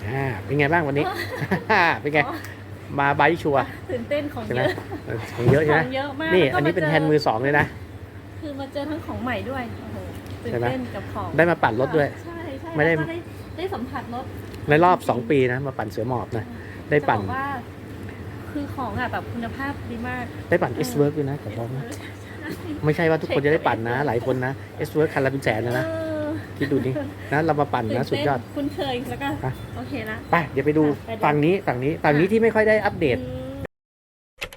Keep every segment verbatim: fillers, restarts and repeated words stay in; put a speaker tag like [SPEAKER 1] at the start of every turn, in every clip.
[SPEAKER 1] อ่าเป็นไงบ้างวันนี้ เป็นไงมาไบค์ชัวร์
[SPEAKER 2] ตื่นเต้นของ
[SPEAKER 1] ใช่ไหม
[SPEAKER 2] เยอะ
[SPEAKER 1] ของเยอะใช่ไหม
[SPEAKER 2] ของเยอะมาก
[SPEAKER 1] นี่
[SPEAKER 2] แล้วก็
[SPEAKER 1] อันนี้เป็น
[SPEAKER 2] มาเจอ
[SPEAKER 1] แฮนด์มือสองเลยนะ
[SPEAKER 2] คือมาเจอทั้งของใหม่ด้วยโอ้โหตื่น
[SPEAKER 1] ใช่ไหม
[SPEAKER 2] เต้นกับของ
[SPEAKER 1] ได้มาปั่นรถด้วย
[SPEAKER 2] ใช่ใช่
[SPEAKER 1] ไม่ได้
[SPEAKER 2] แล้วก็ได้ได้สัมผัสรถ
[SPEAKER 1] ในรอบสองปีนะมาปั่นเสือหมอบนะได้ปั่น
[SPEAKER 2] จะบอกว่าคือของอ่ะแบบคุณภาพดีมาก
[SPEAKER 1] ได้ปั่น S Work ด้วยนะขอบอกนะไม่ใช่ว่าทุกคนจะได้ปั่นนะ หลายคนนะ S Work คันละเป็นแสนเลยนะ
[SPEAKER 2] เออ
[SPEAKER 1] คิดดูนี่นะเรามาปั่นนะสุดยอด
[SPEAKER 2] ตื่นเต้นคุ้นเคยแล้วก็
[SPEAKER 1] อ่ะ
[SPEAKER 2] โอเคละ
[SPEAKER 1] ไปเดี๋ยวไปดู
[SPEAKER 2] ไปดู
[SPEAKER 1] ฝั่งนี้ฝั่งนี้ฝั่งนี้ที่ไม่ค่อยได้อัปเดต
[SPEAKER 2] อืม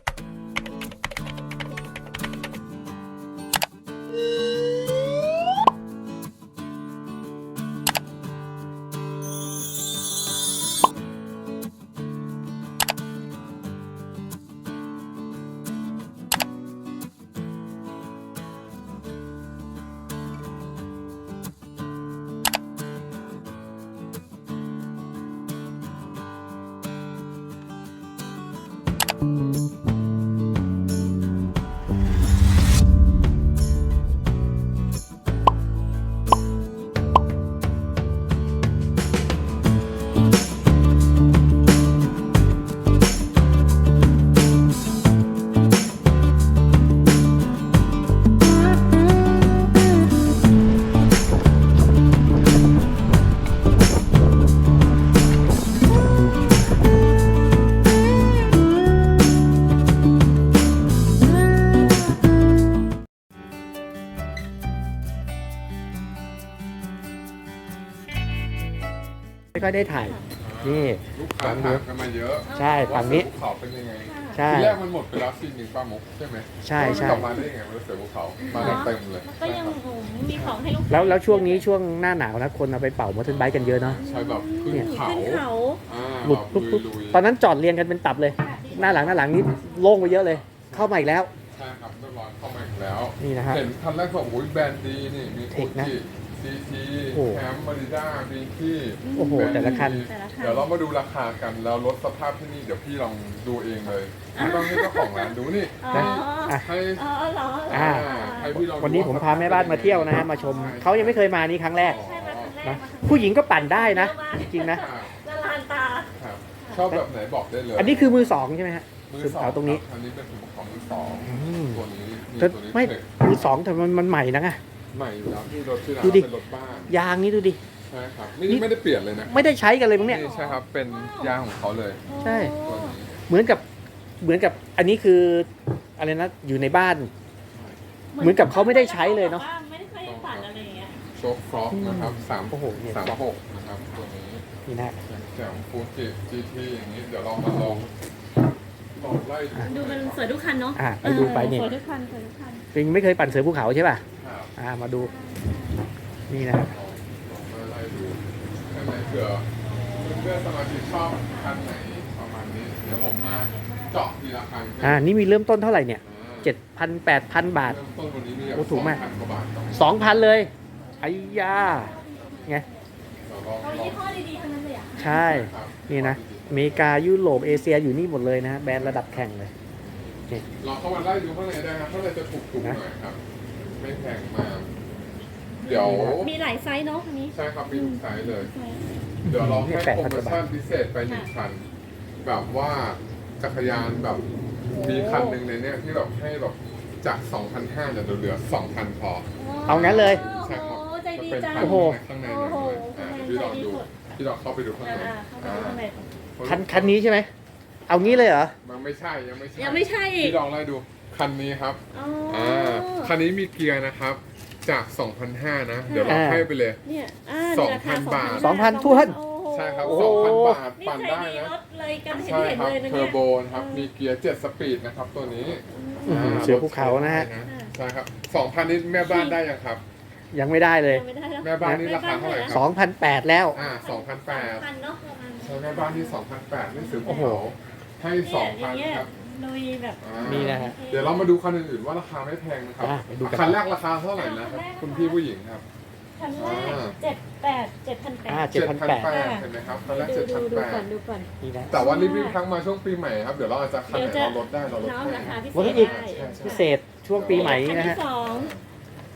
[SPEAKER 1] ไม่ค่อยได้ถ่ายนี่
[SPEAKER 3] ลูกค้าถามกันมาเยอะ
[SPEAKER 1] ใช่ฝั่งนี้
[SPEAKER 3] ว่าเสือภูเขาเป็นยังไง
[SPEAKER 1] ใช่
[SPEAKER 3] ทีแรกมันหมดไปแล้วซีนหนึ่งป้ามุกใช่ไหม
[SPEAKER 1] ใช่ใช่
[SPEAKER 3] กลับมาได้ยังไงมันเสือภูเขามากันเต็มเลย
[SPEAKER 2] แล้วก็ยังโอ้โหมีของให้ลูกค้า
[SPEAKER 1] แล้วแล้วช่วงนี้ช่วงหน้าหนาวนะคนเอาไปเป่ามอเตอร์ไบค์กันเยอะเนาะ
[SPEAKER 3] ใช่แบบขึ้น
[SPEAKER 1] เนี่ย
[SPEAKER 3] เขา
[SPEAKER 2] ขึ้นเขา
[SPEAKER 3] อ่า
[SPEAKER 1] หลุด
[SPEAKER 3] แบบ
[SPEAKER 1] ปุ๊บปุ๊บ
[SPEAKER 3] ลุยๆ
[SPEAKER 1] ตอนนั้นจอดเรียงกันเป็นตับเลย หน้าหลังหน้าหลังนี้โล่งไปเยอะเลย เข้ามาอีกแล้ว
[SPEAKER 3] ใช่ครับเรียบร้อยเข้ามาอีกแล้ว
[SPEAKER 1] นี่นะฮะ
[SPEAKER 3] เห็นคันแรกก็โอ้ยแบรนด์ดีนี่มี
[SPEAKER 1] เท
[SPEAKER 3] โอ
[SPEAKER 1] คนะ
[SPEAKER 3] จิซีที
[SPEAKER 1] โอ้
[SPEAKER 3] แคมมาริด้าบีคี
[SPEAKER 1] โอ้โหแต่ละคัน
[SPEAKER 2] แต่ละคัน
[SPEAKER 3] เดี๋ยวเรามาดูราคากันแล้วรถสภาพที่นี่เดี๋ยวพี่ลองดูเองเลยไม่ต้องให้เจ้าของร้านดูนี่
[SPEAKER 2] อ๋อ
[SPEAKER 1] นะอ่ะ
[SPEAKER 3] ให้
[SPEAKER 2] อ๋อเหรอ
[SPEAKER 1] อ่า
[SPEAKER 3] ให้พี่ลองดู
[SPEAKER 1] วันนี้ผมพาแม่บ้านมาเที่ยวนะฮะมาชมเขายังไม่เคยมานี่ครั้งแรก
[SPEAKER 2] ใช่มาครั้งแรก
[SPEAKER 1] นะ
[SPEAKER 2] มาครั้งแรก
[SPEAKER 1] ผู้หญิงก็ปั่นได้นะ จริงๆนะ
[SPEAKER 3] ครับ
[SPEAKER 2] ละลานตา
[SPEAKER 3] ครับชอบแบบไหนบอกได้เลย
[SPEAKER 1] อันนี้คือมือสองใช่ไหมฮะ
[SPEAKER 3] มือ
[SPEAKER 1] สุด
[SPEAKER 3] สอง
[SPEAKER 1] เขาตรงนี้
[SPEAKER 3] คบอันนี้เป็นของมือสอง
[SPEAKER 1] อืม
[SPEAKER 3] ตัวนี้นี่
[SPEAKER 1] แต่
[SPEAKER 3] ตัวนี้
[SPEAKER 1] ไม่
[SPEAKER 3] เทค
[SPEAKER 1] มือสองแต่มันมันใหม่นะไง
[SPEAKER 3] ใหม่อยู่แล้วที่รถที่ร้าน
[SPEAKER 1] ดูดิ
[SPEAKER 3] เป็นรถบ้าน
[SPEAKER 1] ยางนี่ดูดิ
[SPEAKER 3] ใช่ครับไม่ได้ไม่ได้เปลี่ยนเลยนะ
[SPEAKER 1] ไม่ได้ใช้กันเลยมั้งเนี่ย
[SPEAKER 3] นี่ใช่ครับเป็นยางของเขาเลย
[SPEAKER 1] ใช่
[SPEAKER 3] ตัวนี้
[SPEAKER 1] เหมือนกับเหมือนกับอันนี้คืออะไรนะอยู่ในบ้าน เหมือนกับเขาไม่ได้ใช้เลยเนอะ
[SPEAKER 2] ไม่ได้เคยปั่นอะไรอย่างเงี้ย
[SPEAKER 3] โชคฟรอกนะครับสาม
[SPEAKER 1] โอ้โหเนี่ย
[SPEAKER 3] สามหกนะครับตัวนี้
[SPEAKER 1] นี่นะ
[SPEAKER 3] แจ่มฟูจิจีทีอย่างนี้เดี๋ยวเรามาลองลองไล่ดู
[SPEAKER 2] ดูมันสวยทุกคันเนาะ
[SPEAKER 1] อ่ะไปดูไปเนี่ย
[SPEAKER 2] สวยทุกคันสวยทุกคัน
[SPEAKER 1] ปิงไม่เคยปั่นเสือภูเขาใช่ป่ะ
[SPEAKER 3] ครับ
[SPEAKER 1] อ่ามาดูนี่นะ
[SPEAKER 3] ลองลองไล่ดูข้างในเผื่อเพื่อนสมาชิกชอบคันไหนประมาณนี้เดี๋ยวผมมาเจาะทีละคัน
[SPEAKER 1] อ่านี่มีเริ่มต้นเท่าไหร่เนี่ย
[SPEAKER 3] อ่า
[SPEAKER 1] เจ็ดพันแปดพันบาท
[SPEAKER 3] เริ่มต้นวันนี้มี
[SPEAKER 1] โอ้ถูกมาก
[SPEAKER 3] สองพันกว่าบาทต้อง
[SPEAKER 1] สองพันเลยไอ้ยาไง
[SPEAKER 3] เดี๋ยวลอง
[SPEAKER 2] เอา
[SPEAKER 3] ลอง
[SPEAKER 2] ยี่ห้อดีๆทั้งนั้นเลยอ่ะ
[SPEAKER 1] ใช่
[SPEAKER 3] ครับ
[SPEAKER 1] นี่นะอเมริกายุโรปเอเชียอยู่นี่หมดเลยนะแบรนด์ระดับแข่งเลย
[SPEAKER 3] ลองเข้ามาไล่ดูข้างในได้ครับข้างในจะถูกถูกๆห
[SPEAKER 1] นะ
[SPEAKER 3] น่อยครับ ไม่แพงมาก เดี๋ยว
[SPEAKER 2] มีหลายไซส์เนาะอันนี้
[SPEAKER 3] ใช่ครับมีทุกไซส์เลย เดี๋ยวเราให้โปรโมชั่นพิเศษไปหนึ่งคัน แบบว่าจักรยานแบบมีคันหนึ่งในเนี้ยที่แบบให้แบบจาก สองพันห้าร้อยเนี่ยเหลือ สองพัน พอ
[SPEAKER 1] เอางั้นเลย
[SPEAKER 3] ใช่ครับ
[SPEAKER 2] โอ้ใจดี
[SPEAKER 3] จะเป็น
[SPEAKER 2] จัง
[SPEAKER 3] คัน
[SPEAKER 1] โอ้โห
[SPEAKER 3] ข้างใน
[SPEAKER 2] โอ้
[SPEAKER 3] เลย
[SPEAKER 2] โห
[SPEAKER 3] อ่าพี่ลองดูพี่ลองเข้าไปดูข้างใน
[SPEAKER 2] อ่าเข้าไปข้างใน
[SPEAKER 1] คันคันนี้ใช่ไหมเอางี้เลยเหรอ
[SPEAKER 3] มันไม่ใช่ยังไม่ใช่
[SPEAKER 2] ยังไม่ใช่อีก
[SPEAKER 3] พี่ลองไล่ดูคันนี้ครับ
[SPEAKER 2] อ๋อ
[SPEAKER 3] อ่าคันนี้มีเกียร์นะครับจาก สองพันห้าร้อย นะ เดี๋ยวเรา
[SPEAKER 1] อ่า
[SPEAKER 3] ให้ไปเลย
[SPEAKER 2] เนี่ยอ่า
[SPEAKER 3] สอง
[SPEAKER 2] ราคา
[SPEAKER 3] พันบาท
[SPEAKER 1] สองพันถ้วน
[SPEAKER 2] โอ้โห
[SPEAKER 3] ใช่ครับ
[SPEAKER 1] โอ้โห
[SPEAKER 3] สองพัน บาท
[SPEAKER 2] นี่
[SPEAKER 3] ปั่น
[SPEAKER 2] ใจ
[SPEAKER 3] ได้
[SPEAKER 2] ดี
[SPEAKER 3] นะ
[SPEAKER 2] รถเลยกันเห็น
[SPEAKER 3] ใช่
[SPEAKER 2] เห็น
[SPEAKER 3] ครับ
[SPEAKER 2] เลยนะ
[SPEAKER 3] เทอ
[SPEAKER 2] เนี่ย
[SPEAKER 3] ร์โบนะครับ มีเกียร์เจ็ดสปีดนะครับตัวนี้
[SPEAKER 1] อื้อหือเสือภูเขานะฮะ
[SPEAKER 3] ใช่ครับสองพันนี่แม่บ้านได้ยังครับ
[SPEAKER 1] ยังไม่ได้เลย
[SPEAKER 2] ยังไม่ได้แล้ว
[SPEAKER 3] แม่บ้านนี่ราคาเท่าไหร่ค
[SPEAKER 1] ส
[SPEAKER 3] รั
[SPEAKER 1] องพันแปดแล้ว
[SPEAKER 3] อ่าสองพันแปด
[SPEAKER 2] พันเนาะประมาณ
[SPEAKER 3] ใช่แม่บ้านที่สองพันแปดนี่ซื้อ
[SPEAKER 1] โอ้โห
[SPEAKER 3] ให้สองพัน
[SPEAKER 2] เนี่ย
[SPEAKER 3] ครับ
[SPEAKER 2] ลุยแบบ
[SPEAKER 3] อ่า
[SPEAKER 1] นี่นะฮะ
[SPEAKER 3] เดี๋ยวเรามาดูคันอื่นๆว่าราคาไม่แพงนะครับ
[SPEAKER 1] อ่ะไปดูกัน
[SPEAKER 3] คันแรกราคาเท่าไหร่นะครับคุณพี่ผู้หญิงครับ
[SPEAKER 2] คันแรก
[SPEAKER 3] อ่า
[SPEAKER 2] เจ็ดแปดเจ็ดพันแป
[SPEAKER 1] อ่า
[SPEAKER 2] ด
[SPEAKER 1] เจ็ดพันแปด
[SPEAKER 3] เห็นไหมครับคันแรก
[SPEAKER 2] ดู
[SPEAKER 3] เจ็ด
[SPEAKER 2] ดู
[SPEAKER 3] พัน
[SPEAKER 2] ดู
[SPEAKER 3] แป
[SPEAKER 2] ก่อ
[SPEAKER 3] ด
[SPEAKER 2] นดูก่อน
[SPEAKER 1] นี่นะ
[SPEAKER 3] แต่ว่ารีบๆครั้งมาช่วงปีใหม่ครับเดี๋ยวเราอาจจะคันไหน
[SPEAKER 2] เดี๋ยวจะ
[SPEAKER 3] เราลดได้เราลด
[SPEAKER 2] น้อง
[SPEAKER 3] ให้
[SPEAKER 2] ราคาพิเศ
[SPEAKER 1] ลด
[SPEAKER 2] ษ
[SPEAKER 1] ให้อีก
[SPEAKER 2] ได้
[SPEAKER 3] ใช่ใช่
[SPEAKER 1] พิเศษช่วงปีใหม่นี้นะ
[SPEAKER 2] คั
[SPEAKER 1] ฮะ
[SPEAKER 2] ที่สอง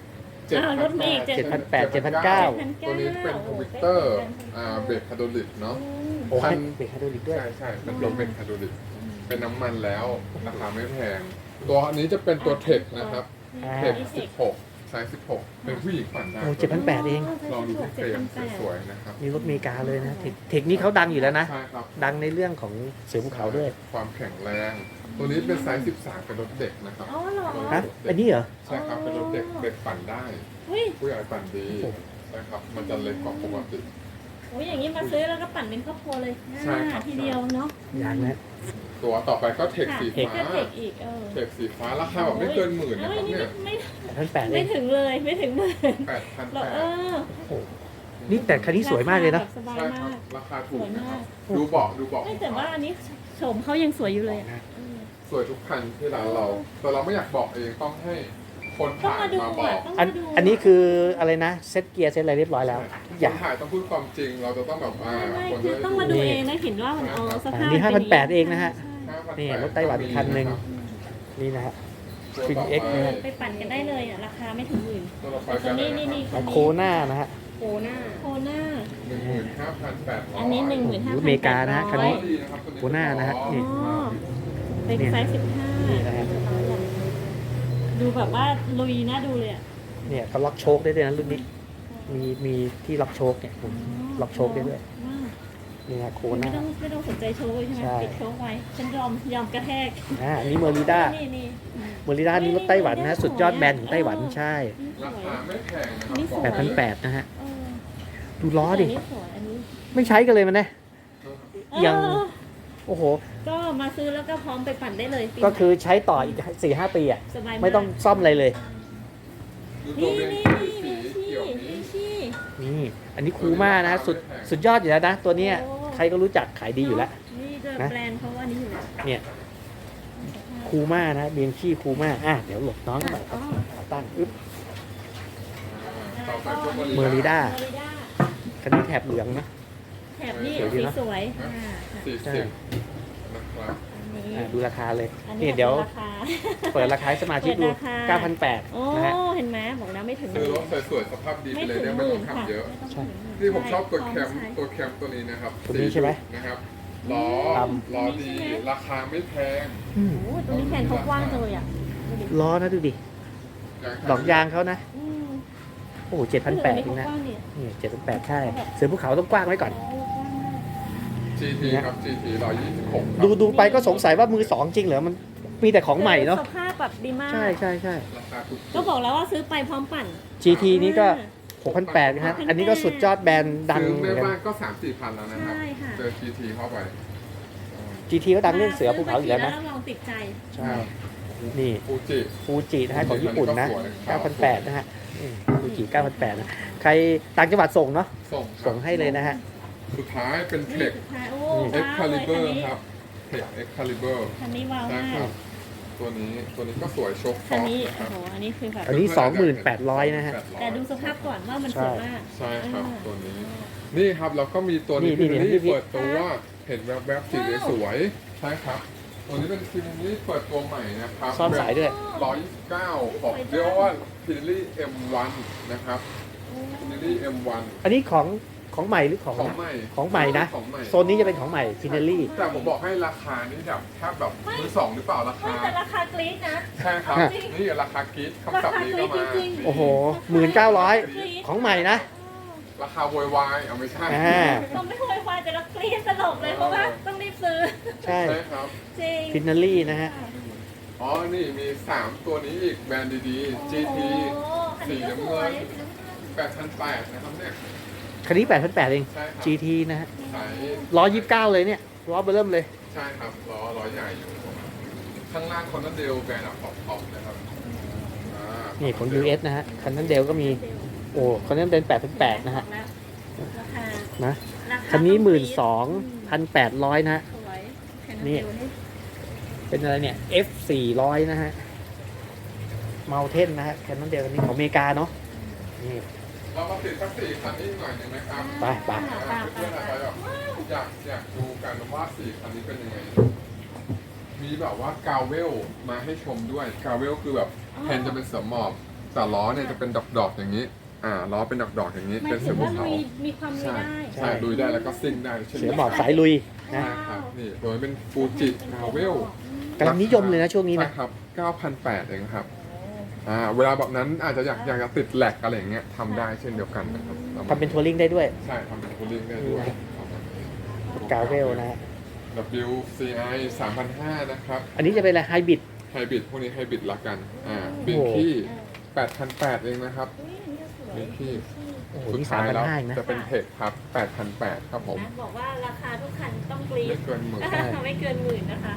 [SPEAKER 3] เจ็ด
[SPEAKER 2] อ้าวลดมาอีก
[SPEAKER 1] เจ็ดพันแปด เจ็ดพันเก้า
[SPEAKER 3] ตัวนี้เป็นทวิตเตอร์อ่าเบรกคาร์โดลิกเนาะ
[SPEAKER 1] โอ้ให้เบรกไฮดรอลิกด้วย
[SPEAKER 3] ใช่ใช่เป็นตัวเบรกคาร์โดลิกเป็นน้ำมันแล้วราคาไม่แพง ตัวอันนี้จะเป็นตัวเทคนะครับ
[SPEAKER 1] อ่า
[SPEAKER 3] เทคสิบหกไซส์สิบหกเป็นผู้หญิงปั่นได้
[SPEAKER 1] โอ้เจ็ดพันแปดเอง
[SPEAKER 3] ลองดูที่เฟรมสวยๆนะครับ
[SPEAKER 1] มีรถอเมริกาเลยนะเทคเทคนี้เขาดังอยู่แล้วนะ
[SPEAKER 3] ใช่ครับ
[SPEAKER 1] ดังในเรื่องของเสือภูเขาด้วย
[SPEAKER 3] ความแข็งแรง ตัวนี้เป็นไซส์สิบสามเป็นรถเด็กนะครับ
[SPEAKER 2] อ๋อเหรอ
[SPEAKER 1] ฮะ อันนี้เหรอ
[SPEAKER 3] ใช่ครับเป็นรถเด็กเด็กปั่นได้
[SPEAKER 2] เฮ้ย
[SPEAKER 3] ผู้ใหญ่ปั่นดีนะครับมันจะเล็กกว่าปกติ
[SPEAKER 2] โอ้ยอย่างนี้มาซื้อแล้วก็ปั่นเป็นครอบครัวเลย
[SPEAKER 3] ใช่ครับ
[SPEAKER 2] ทีเดียวเนาะ
[SPEAKER 1] อย่างนะ
[SPEAKER 3] ตัวต่อไปก็เทคสี
[SPEAKER 2] เทค
[SPEAKER 3] ฟ้า
[SPEAKER 2] ก็เทคอีกเออ
[SPEAKER 3] เทคสีฟ้าราคาแบบไม่เกินหมื่นนะ
[SPEAKER 2] เอ้
[SPEAKER 3] ค
[SPEAKER 2] ย
[SPEAKER 3] รับ
[SPEAKER 2] นี่
[SPEAKER 3] เนี่ย
[SPEAKER 2] ไม่
[SPEAKER 1] แปดพันแปดเอ
[SPEAKER 2] ไม่
[SPEAKER 1] ง
[SPEAKER 2] ถึงเลยไม่ถึงหมื่น
[SPEAKER 3] แปดพัน
[SPEAKER 2] เรา
[SPEAKER 3] แป
[SPEAKER 2] เอ
[SPEAKER 3] ด
[SPEAKER 2] อ
[SPEAKER 1] โอ้โหนี่แต่คันนี้สวยมากเลยนะ
[SPEAKER 2] สบาย
[SPEAKER 3] ใช่ค
[SPEAKER 2] มา
[SPEAKER 3] รับ
[SPEAKER 2] ก
[SPEAKER 3] ราคาถูกนะครับ
[SPEAKER 1] สวยมาก
[SPEAKER 3] ดูเบาะดูเบาะ
[SPEAKER 2] ไม่แต่ว่าอันนี้โฉมเขายังสวยอยู่เลยอะเออ
[SPEAKER 3] สวยทุกคันที่ร้านเรา แต่เราไม่อยากบอกเองต้องให้คน
[SPEAKER 2] ต้อง
[SPEAKER 3] ถ่าย
[SPEAKER 2] มาดู
[SPEAKER 3] มาบอ
[SPEAKER 2] อ่ะ
[SPEAKER 3] ก
[SPEAKER 2] ต้อง
[SPEAKER 1] อัน
[SPEAKER 2] มาดู
[SPEAKER 1] อันนี้คืออะไรนะ เซ็ตเกียร์เซ็ตอะไรเรียบร้อยแล้ว
[SPEAKER 3] ค
[SPEAKER 1] อน ย่าง
[SPEAKER 3] ถ่ายต้องพูดความจริง เราจะต้องแบบว่า
[SPEAKER 2] ไม่ไม่
[SPEAKER 3] คน
[SPEAKER 2] คือ
[SPEAKER 3] จะ
[SPEAKER 2] ต้องมาดู
[SPEAKER 3] ดู
[SPEAKER 2] เองนะเห็นว่ามันเอาสภาพ
[SPEAKER 1] อันนี้ห้าพันแปดเองนะฮะ
[SPEAKER 2] ใช่
[SPEAKER 1] นี่รถไต้หวันคันหนึ่ง นี่นะฮะ
[SPEAKER 3] ตัวต่อ
[SPEAKER 1] Twin X
[SPEAKER 3] ไป
[SPEAKER 1] นะฮะ
[SPEAKER 2] ไปปั่นกันได้เลยอ่ะราคาไม่ถึงหมื่น
[SPEAKER 3] ตัวต่อไป
[SPEAKER 2] แต่
[SPEAKER 3] กัน
[SPEAKER 2] นี่
[SPEAKER 3] นะ
[SPEAKER 2] นี่นี่
[SPEAKER 3] ครับ
[SPEAKER 1] โคหน้านะฮะ
[SPEAKER 2] โคหน้าโคหน้า
[SPEAKER 3] หนึ่งหมื่นห้าพันแปดร้อย
[SPEAKER 2] อันนี้หนึ่งหมื่นห้า
[SPEAKER 1] อ
[SPEAKER 2] พัน
[SPEAKER 1] เมริกานะฮะคันนี้
[SPEAKER 3] ดีนะครับตัว
[SPEAKER 1] โคหน้านะฮะนี่
[SPEAKER 2] อ๋อเป็นไซส์สิบห้า
[SPEAKER 1] นี่นะฮะ
[SPEAKER 2] ดูแบบว่าลุยน่าดูเลยอ่ะ
[SPEAKER 1] เนี่ยเขาล็อกโชคได้ด้วยนะรุ่นนี้ มีมีที่ล็อกโชคเนี่ยผมล็อกโชคได้ด้วย
[SPEAKER 2] ว้าว
[SPEAKER 1] นี่ฮะโคห
[SPEAKER 2] ไม่
[SPEAKER 1] น้า
[SPEAKER 2] ต้องไม่ต้องสนใจโชว์เลยใช่ไหม
[SPEAKER 1] ใช่
[SPEAKER 2] ปิดโชว์ไว้ฉันยอมยอมกระแทก
[SPEAKER 1] อ่าอันนี้เมอริด้า
[SPEAKER 2] นี่นี่
[SPEAKER 1] เมอริด้านี่รถไต้หวันนะ สุดยอดแบรนด์ของไต้หวันใช่
[SPEAKER 3] ราคาไม่แพงนะครั
[SPEAKER 2] นี่สวย
[SPEAKER 1] แปดพันแปดนะฮะ
[SPEAKER 2] เออ
[SPEAKER 1] ดูล้อดิ
[SPEAKER 2] นนี้สวยอันนี้
[SPEAKER 1] ไม่ใช้กันเลยมันนะ ยัง
[SPEAKER 2] เออ
[SPEAKER 1] โอ้โห
[SPEAKER 2] ก็มาซื้อแล้วก็พร้อมไปปั่นได้เลยปี
[SPEAKER 1] ก็คือใช้ต่ออีกสี่ห้าปีอ่ะ
[SPEAKER 2] สบายาก
[SPEAKER 1] ไม่ต้องซ่อมอะไรเลย
[SPEAKER 3] ดูตัว
[SPEAKER 2] นี่
[SPEAKER 3] เรียน
[SPEAKER 2] นี่
[SPEAKER 3] สี
[SPEAKER 2] นี่
[SPEAKER 3] เขียว
[SPEAKER 2] นี่
[SPEAKER 3] นี้
[SPEAKER 2] ชี่
[SPEAKER 1] นี่ อันนี้คูลมากนะ สุด สุดยอดอยู่แล้วนะ ตัวเนี้ย
[SPEAKER 2] โอ้
[SPEAKER 1] ใครก็รู้จักขายดีอยู่แล้ว
[SPEAKER 2] นี่จะ
[SPEAKER 1] นะ
[SPEAKER 2] แบรนด์เขาว่านี้อยู่แล้ว
[SPEAKER 1] เนี่ยคูลมากนะเบียนชี่คูลมากอ่ะเดี๋ยวหลบน้องหน่อยค
[SPEAKER 2] อ๋
[SPEAKER 1] รั
[SPEAKER 2] อบ
[SPEAKER 1] ขาตั้งอึ๊บ
[SPEAKER 3] ต่อไปพวก
[SPEAKER 1] เมอริด้า
[SPEAKER 2] เมอริด้า
[SPEAKER 1] คันนี้แถบเหลืองนะ
[SPEAKER 2] แถบนี้
[SPEAKER 1] สวยดี
[SPEAKER 2] สี
[SPEAKER 1] นะ
[SPEAKER 2] สวยอ่า
[SPEAKER 3] สี่
[SPEAKER 1] ใช่
[SPEAKER 3] สิบนะครับ
[SPEAKER 2] อันนี้
[SPEAKER 1] อ่ะดูราคาเลย
[SPEAKER 2] อัน
[SPEAKER 1] นี่
[SPEAKER 2] นี้
[SPEAKER 1] เดี๋ยว
[SPEAKER 2] ราคา
[SPEAKER 1] เปิดราคาให้สมาชิกดู
[SPEAKER 2] เปิดราคา
[SPEAKER 1] เก้าพันแปด
[SPEAKER 2] โอ้
[SPEAKER 1] นะฮะ
[SPEAKER 2] เห็นไหมบอกแล้วไม่ถึงห
[SPEAKER 3] ซื้อ
[SPEAKER 2] มื่
[SPEAKER 3] ร
[SPEAKER 2] น
[SPEAKER 3] ถสวยๆสภาพดีไป
[SPEAKER 2] ไม่
[SPEAKER 3] เลย
[SPEAKER 2] ถึง
[SPEAKER 3] เนี่ย
[SPEAKER 2] ห
[SPEAKER 3] ไม่
[SPEAKER 2] มื่
[SPEAKER 3] ต้อน ง
[SPEAKER 2] ค่ะ
[SPEAKER 3] ทำเยอะ
[SPEAKER 2] ไม่ต้อง
[SPEAKER 1] ใช่
[SPEAKER 2] ถึงหมื่น
[SPEAKER 3] นี่ผมชอบตัว
[SPEAKER 2] ใ
[SPEAKER 3] แคมตัวแคมตัวนี้นะครับ
[SPEAKER 1] ตัวนี้ใช่ไหม
[SPEAKER 3] นะครับล้อ
[SPEAKER 1] ด
[SPEAKER 3] ล้อดี ราคาไม่แพง
[SPEAKER 1] อืม
[SPEAKER 2] โอ้ตัวนี้แขนเขากว้างจังเลยอ่ะดูดิ
[SPEAKER 1] ล้อนะดูดิ ดอกยางเขานะ
[SPEAKER 2] อืม
[SPEAKER 1] โอ้โหเจ็ดพันแปด
[SPEAKER 2] เอ
[SPEAKER 1] เอง
[SPEAKER 2] อ
[SPEAKER 1] นะ
[SPEAKER 2] เขากว้างเนี่ย
[SPEAKER 1] นี่เจ็ดพันแปดใช่ เสือภูเขาต้องกว้างไว้ก่อน
[SPEAKER 2] โอ้กว้างมาก
[SPEAKER 3] จี ที ครับ จี ที ร้อยยี่สิบหก
[SPEAKER 1] ดูดูไปก็สงสัยว่ามือสองจริงเหรอ มันมีแต่ของใหม่เนาะ
[SPEAKER 2] สภาพแบบดีมาก
[SPEAKER 1] ใช่ใช่ใช่
[SPEAKER 3] ราคาถูก
[SPEAKER 2] ก็บอกแล้วว่าซื้อไปพร้อมปั่น
[SPEAKER 1] จี ที นี้ก็ หกพันแปดนะฮะ อันนี้ก็สุดยอดแบรนด์ดัง
[SPEAKER 3] ซื้อ
[SPEAKER 1] เหมื
[SPEAKER 3] แม่
[SPEAKER 1] อนกัน
[SPEAKER 3] บ้านก็สามสี่พันแล้วนะครับ
[SPEAKER 2] ใช่ค่ะ
[SPEAKER 3] เจอ จี ที เข้าไป
[SPEAKER 1] จี ที ก็ดังเรื่องเสือภูเขาอยู่แล้วนะ
[SPEAKER 2] แล้วลองติดใจ
[SPEAKER 1] ใช่ นี่
[SPEAKER 3] ฟูจิ
[SPEAKER 1] ฟูจินะฮะของญี่ปุ่นนะ
[SPEAKER 3] อันนี้ก็สวย
[SPEAKER 1] เก้าพันแปดนะฮะอืมฟูจิเก้าพันแปดนะ ใครต่างจังหวัดส่งเนาะ
[SPEAKER 3] ส่งครับ
[SPEAKER 1] ส่งให้เลยนะฮะ
[SPEAKER 3] สุดท้ายเป็นเท
[SPEAKER 2] นี่
[SPEAKER 3] ค
[SPEAKER 2] สุดท้ายโอ้
[SPEAKER 3] เอ็กคาลิเบอร์
[SPEAKER 2] ว้าวเลย
[SPEAKER 3] ครับเทคเอ็กคาลิเบอร์
[SPEAKER 2] คันนี้ว้าว
[SPEAKER 3] ใช่
[SPEAKER 2] มา
[SPEAKER 3] ครั
[SPEAKER 2] ก
[SPEAKER 3] บ ตัวนี้ตัวนี้ก็สวยโชคฟ
[SPEAKER 2] คั
[SPEAKER 3] อน ก
[SPEAKER 2] นี้
[SPEAKER 3] นะค
[SPEAKER 2] โอ้
[SPEAKER 3] รับ
[SPEAKER 2] โหอันนี้คือแบบ
[SPEAKER 1] อันนี้สองหมื่นแปดร้อยนะฮะ
[SPEAKER 2] แต่ดูสภาพก่อนว่ามันสวยมาก
[SPEAKER 3] ใช่ครับ
[SPEAKER 2] อ่า
[SPEAKER 3] ตัวนี้ นี่ครับแล้วก็มีตัวนี้
[SPEAKER 1] นี่
[SPEAKER 3] ฟิ
[SPEAKER 1] นี่
[SPEAKER 3] ลิ
[SPEAKER 1] นี่
[SPEAKER 3] เปิดตัวเห็นแวบๆสีสวยใช่ครับ ตัวนี้เป็นฟิลิเปิดตัวใหม่นะครับ
[SPEAKER 1] ซ่อนสายด้วย
[SPEAKER 3] ร้อยยี่สิบเก้าของเรียกว่าฟิลิ เอ็ม วัน นะครับฟิลิ เอ็ม วัน
[SPEAKER 1] อันนี้ของของใหม่หรือของ
[SPEAKER 3] ของใหม่
[SPEAKER 1] ของใหม่นะ
[SPEAKER 3] ของใหม่
[SPEAKER 1] โซนนี้จะเป็นของใหม่ฟินาลี่
[SPEAKER 3] แต่ผมบอกให้ราคานี่แบบแทบแบบมือสองหรือเปล่ารา
[SPEAKER 2] ไม่
[SPEAKER 3] คา
[SPEAKER 2] แต่ราคากรี๊ดนะ
[SPEAKER 3] ใช่ครับ
[SPEAKER 1] ฮะ
[SPEAKER 3] นี่ราคากรีดคำศัพท์นี้ก็มา
[SPEAKER 2] ราคากรี๊ดจริงๆ
[SPEAKER 1] โอ้โหหมื่นเก้าร้อย
[SPEAKER 2] กรี๊ด
[SPEAKER 1] ของใหม่นะ
[SPEAKER 3] ราคาโวยวายเอาไม่ใช่
[SPEAKER 1] อ่า
[SPEAKER 2] ต้องไม่โวยวายแต่เรากรี๊ดตลกเลยเพราะว่าต้องรีบซื้อ
[SPEAKER 1] ใช่
[SPEAKER 3] ใช่ครับ
[SPEAKER 2] จริง
[SPEAKER 1] ฟินาลี่นะฮะ
[SPEAKER 3] อ๋อ นี่มี สาม ตัวนี้อีกแบรนด์ดีๆ จี ที
[SPEAKER 2] โอ้คัน
[SPEAKER 3] สี
[SPEAKER 2] นี้ก็
[SPEAKER 3] น้ำ
[SPEAKER 2] ส
[SPEAKER 3] เงิ
[SPEAKER 2] วย
[SPEAKER 3] น แปดพันแปดนะครับเนี่ย
[SPEAKER 1] คันนี้แปดพันแปดเอง
[SPEAKER 3] ใช่ครับ
[SPEAKER 1] จี ที นะฮะ
[SPEAKER 3] สาย
[SPEAKER 1] ร้อยยี่สิบเก้าเลยเนี่ยล้อเบอร์เริ่มเลย
[SPEAKER 3] ใช่ครับล้อล้อใหญ่อยู่ ข้างล่างคอนเดลแบรนด์ท็อปท็อปนะครับอ่า
[SPEAKER 1] นี่ของ ยู เอส นะฮะ คันนั้นเดลก็มี โอ้คันนั้นเป็นแปดพันแปดนะฮะ
[SPEAKER 2] ราคา
[SPEAKER 1] นะ
[SPEAKER 2] ราา
[SPEAKER 1] คันนี้หมื่นส
[SPEAKER 2] ต้
[SPEAKER 1] องพันแปดร้อยนะฮะ
[SPEAKER 2] สวยแผ่น
[SPEAKER 1] นี่
[SPEAKER 2] เดียวนี่
[SPEAKER 1] เป็นอะไรเนี่ย F สี่ร้อยนะฮะ เมาเทนนะฮะ คันนั้นเดลคันนี้ของอเมริกาเนาะ นี่
[SPEAKER 3] เรามาติดสักสี่คันนี้หน่อยหนึ่งนะครับ
[SPEAKER 1] ไปไป
[SPEAKER 3] อ่าเพื่อนๆอะไรแบบอยากอยากดูกันว่าสี่คันนี้เป็นยังไง มีแบบว่ากาวเวลมาให้ชมด้วย กาวเวลคือแบบแทนจะเป็นเสือหมอบแต่ล้อเนี่ยจะเป็นดอกๆอย่างนี้ อ่าล้อเป็นดอกๆอย่างนี้
[SPEAKER 2] หมาย
[SPEAKER 3] เป็น
[SPEAKER 2] ถึ
[SPEAKER 3] เสือง ภู
[SPEAKER 2] ว่า
[SPEAKER 3] เขา
[SPEAKER 2] ลุยมีความลุย
[SPEAKER 3] ใช่
[SPEAKER 2] ได้
[SPEAKER 3] ใช่ลุยได้แล้วก็ซิ่งได้เช่น
[SPEAKER 1] เสือ
[SPEAKER 3] กัน
[SPEAKER 1] หมอบสายลุยนะ
[SPEAKER 3] ใช่ครับนี่ตัวนี้เป็นฟูจิทาวเวล
[SPEAKER 1] กำลังนิยมเลยนะช่วงนี้
[SPEAKER 3] ใช่
[SPEAKER 1] นะ
[SPEAKER 3] ครับ เก้าพันแปดร้อย เองครับ อ่า เวลาแบบนั้นอาจจะอยากอยากจะติดแหลกอะไรอย่างเงี้ยทำได้เช่นเดียวกันนะครับ
[SPEAKER 1] ทำเป็นทัวริงได้ด้วย
[SPEAKER 3] ใช่ทำเป็นคูลิ่งได้ด้วย
[SPEAKER 1] กาเวลนะฮะ
[SPEAKER 3] ดับเบิลยู ซี ไอ สามพันห้าร้อย นะครับ
[SPEAKER 1] อันนี้จะเป็นอะไรไฮบริด
[SPEAKER 3] ไฮบริดพวกนี้ไฮบริดละกัน อ่า
[SPEAKER 1] โอ้
[SPEAKER 3] บิ
[SPEAKER 1] โห
[SPEAKER 3] นที่ แปดพันแปดร้อย เองนะครับบินที่
[SPEAKER 1] โอ้โห
[SPEAKER 3] สุด
[SPEAKER 1] นี่
[SPEAKER 3] ท้ายแล้ว
[SPEAKER 1] สามพันห้าเองนะ
[SPEAKER 3] จะเป็นเทคครับ แปดพันแปดร้อย ครับผม
[SPEAKER 2] นะบอกว่าราคาทุกคันต้องกรี๊
[SPEAKER 3] ไม่
[SPEAKER 2] ด
[SPEAKER 3] เกินหมื่น
[SPEAKER 1] ใช่
[SPEAKER 2] ไม่เกินหมื่นนะคะ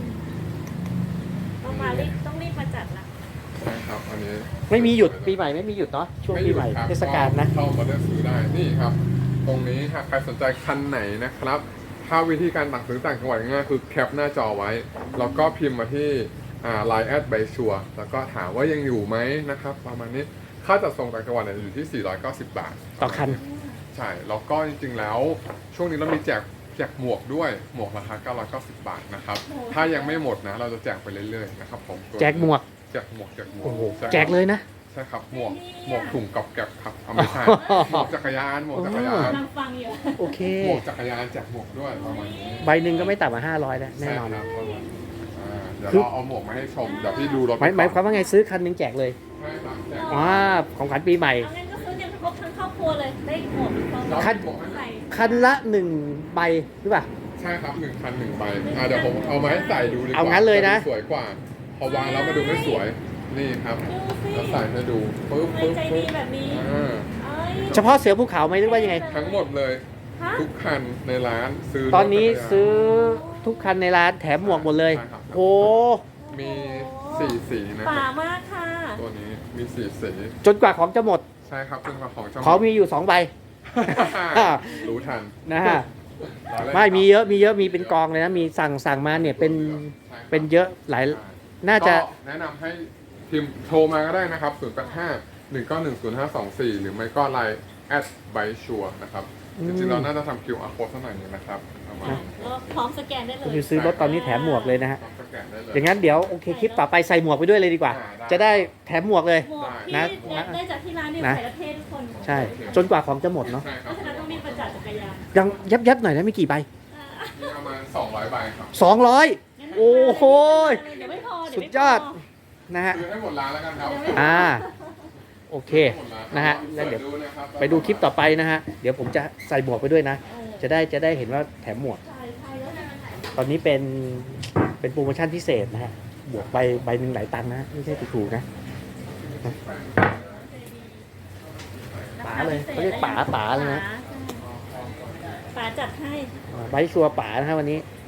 [SPEAKER 2] ต้องมารีบต้องรีบมาจัดละ
[SPEAKER 3] ใช่ครับ อันนี้
[SPEAKER 1] ไม่มีหยุดปีใหม่ไม่มีหยุดเนาะช่วงปีใหม่
[SPEAKER 3] ไยุดครับ
[SPEAKER 1] เทศกาลนะ
[SPEAKER 3] เข้ามาเลือกซื้อได้ นี่ครับ ตรงนี้หากใครสนใจคันไหนนะครับ ถ้าวิธีการสั่งซื้อต่างจังหวัดง่ายๆคือแคปหน้าจอไว้ แล้วก็พิมพ์มาที่ไลน์แอดใบชัวแล้วก็ถามว่ายังอยู่ไหมนะครับ ประมาณนี้ ค่าจัดส่งต่างจังหวัดเนี่ยอยู่ที่ สี่ร้อยเก้าสิบ บาท
[SPEAKER 1] ต่อคัน
[SPEAKER 3] ใช่ แล้วก็จริงๆ แล้ว ช่วงนี้เรามีแจกแจกหมวกด้วย หมวกราคา เก้าร้อยเก้าสิบ บาทนะครับ ถ้ายังไม่หมดนะ เราจะแจกไปเรื่อยๆ นะครับผมตัวนี้
[SPEAKER 1] แจกหมวก
[SPEAKER 3] แจกหมวก แจกหมวก
[SPEAKER 1] โอ้โห
[SPEAKER 3] ใช่
[SPEAKER 1] แจกเลยนะ
[SPEAKER 3] ใช่ครับ หมวก หมวกถุงกับแก็บครับเอาไม่ใช่ หมวกจักรยาน หมวกจักรยาน
[SPEAKER 2] กำลังฟังอยู่
[SPEAKER 1] โอเค
[SPEAKER 3] หมวกจักรยานแจกหมวกด้วยประมาณนี้
[SPEAKER 1] ใบหนึ่งก็ไม่ต่ำกว่าห้าร้อยแล้วแน่นอน
[SPEAKER 3] ใช่ครับประมาณนี้อ่าเดี๋ยว
[SPEAKER 1] คือ
[SPEAKER 3] เราเอาหมวกมาให้ชม เดี๋ยวพี่ดูรถ
[SPEAKER 1] หมายหมายความว่าไงซื้อคันหนึงแจกเลย
[SPEAKER 3] ใช่ครับแจก
[SPEAKER 1] อ่าของขวัญปีใหม่
[SPEAKER 2] เอางั้นก็ซื้อกันครบทั้งครอบครัวเลยได้หมดพร้อม
[SPEAKER 3] เรา
[SPEAKER 1] คัน
[SPEAKER 3] หมวกให้
[SPEAKER 2] ใส่
[SPEAKER 1] คันละหนึ่งใบหรือเปล่า
[SPEAKER 3] ใช่ครับหนึ่งคันหนึ่งใบอ่าเดี๋ยวผมเอามาให้ใส่ดูดีกว่า
[SPEAKER 1] เอางั้นเลยนะ
[SPEAKER 3] จดูสวยกว่า พอวางแล้วมาดูไม่สวย นี่ครับ
[SPEAKER 2] ดูสิ
[SPEAKER 3] แล้วใส่ให้ดูปึ๊บ
[SPEAKER 2] ทำไม
[SPEAKER 3] ปึ๊บ
[SPEAKER 2] ใจ
[SPEAKER 3] ปึ๊
[SPEAKER 2] ดี
[SPEAKER 3] บ
[SPEAKER 2] แบบนี้
[SPEAKER 3] อ่า
[SPEAKER 2] เอ้ย
[SPEAKER 1] เฉพาะเสือภูเขาไหมหรือว่ายังไง
[SPEAKER 3] ทั้งหมดเลย
[SPEAKER 2] ฮะ
[SPEAKER 3] ทุกคันในร้านซื้อ
[SPEAKER 1] ตอนนี้
[SPEAKER 3] รถจักรยา
[SPEAKER 1] ซื้อทุกคันในร้านแถมหมวกหมดเลย
[SPEAKER 3] ใช่ครับ
[SPEAKER 1] โอ้
[SPEAKER 3] มีสี่สีนะค
[SPEAKER 2] ป่า
[SPEAKER 3] รับ
[SPEAKER 2] มากค่ะ
[SPEAKER 3] ตัวนี้มีสี่สี
[SPEAKER 1] จนกว่าของจะหมด
[SPEAKER 3] ใช่ครับเป็นของเจ้า
[SPEAKER 1] ของมีอยู่สองใบ
[SPEAKER 3] รู้ทัน
[SPEAKER 1] นะฮะ
[SPEAKER 3] ล้อเล่น
[SPEAKER 1] ไม่
[SPEAKER 3] ครับ
[SPEAKER 1] มีเยอะมีเยอะมีเป็นกองเลยนะมีสั่งสั่งมาเนี่ยเป็น
[SPEAKER 3] ใช่ครับ
[SPEAKER 1] เป็นเยอะหลายน่าจะ
[SPEAKER 3] ก็แนะนำให้พิมพ์โทรมาก็ได้นะครับ ศูนย์ แปด ห้า หนึ่ง เก้า หนึ่ง ศูนย์ ห้า สอง สี่ หรือไม่ก็ไลน์แอดไบชัวนะครับ
[SPEAKER 1] อืม
[SPEAKER 3] จริงๆเราน่าจะทำ คิว อาร์ code สักหน่อยหนึงนะครับประมาณนี้
[SPEAKER 2] ก็พร้อมสแกนได้เล
[SPEAKER 1] คุณ
[SPEAKER 2] ย
[SPEAKER 1] จะซื้อรถตอนนี้แถมหมวกเลยนะฮะ
[SPEAKER 3] ต้องสแกนได้เลย
[SPEAKER 1] อย่างนั้นเดี๋ยวโอเคคลิปต่อไปใส่หมวกไปด้วยเลยดีกว่า
[SPEAKER 3] อ่าได้
[SPEAKER 1] จะได้แถมหมวกเลย
[SPEAKER 2] หมวกที่
[SPEAKER 1] นะ
[SPEAKER 2] ได้จากที่ร้านเนี่ย
[SPEAKER 1] นะ
[SPEAKER 2] ใส่และเท่ทุกคน
[SPEAKER 1] ใช่ จนกว่าของจะหมดเนาะ
[SPEAKER 3] ใช่ค
[SPEAKER 2] เพ
[SPEAKER 3] รับ
[SPEAKER 2] ราะฉะนั้นต้องมีประจัดจักรยาน
[SPEAKER 1] ยังยับยับหน่อยนะไม่กี่ใบ
[SPEAKER 3] มีประมาณสองร้อยใบครับ
[SPEAKER 1] สองร้อย
[SPEAKER 2] งั้น
[SPEAKER 1] โอ้โห
[SPEAKER 2] เดี๋ยวไม่พอเดี๋ยว
[SPEAKER 1] สุ
[SPEAKER 2] ไม่
[SPEAKER 1] ด
[SPEAKER 2] พ
[SPEAKER 1] ยอดนะฮะ
[SPEAKER 3] ซื้อให้หมดร้านแล้วกันครับ
[SPEAKER 1] อ่าโอเค
[SPEAKER 3] หมดร้า
[SPEAKER 1] นะฮะแล้วเดี๋ยว
[SPEAKER 3] ปินะครับ
[SPEAKER 1] ไปดูคลิปต่อไปนะฮะเดี๋ยวผมจะใส่หมวกไปด้วยนะ
[SPEAKER 2] เออ
[SPEAKER 1] จะได้จะได้เห็นว่าแถมหมวก
[SPEAKER 2] ใช่ใช่แล้วนะ
[SPEAKER 1] ตอนนี้เป็นเป็นโปรโมชั่นพิเศษนะฮะบวกใบใบหนึ่งหลายตังค์นะไม่ใช่ถูกๆนะป๋าเลยเขาเรียกป๋าป๋าเลยนะ
[SPEAKER 2] ป๋าจัดให้
[SPEAKER 1] ใบชัวร์ป๋านะฮะวันนี้
[SPEAKER 2] ใ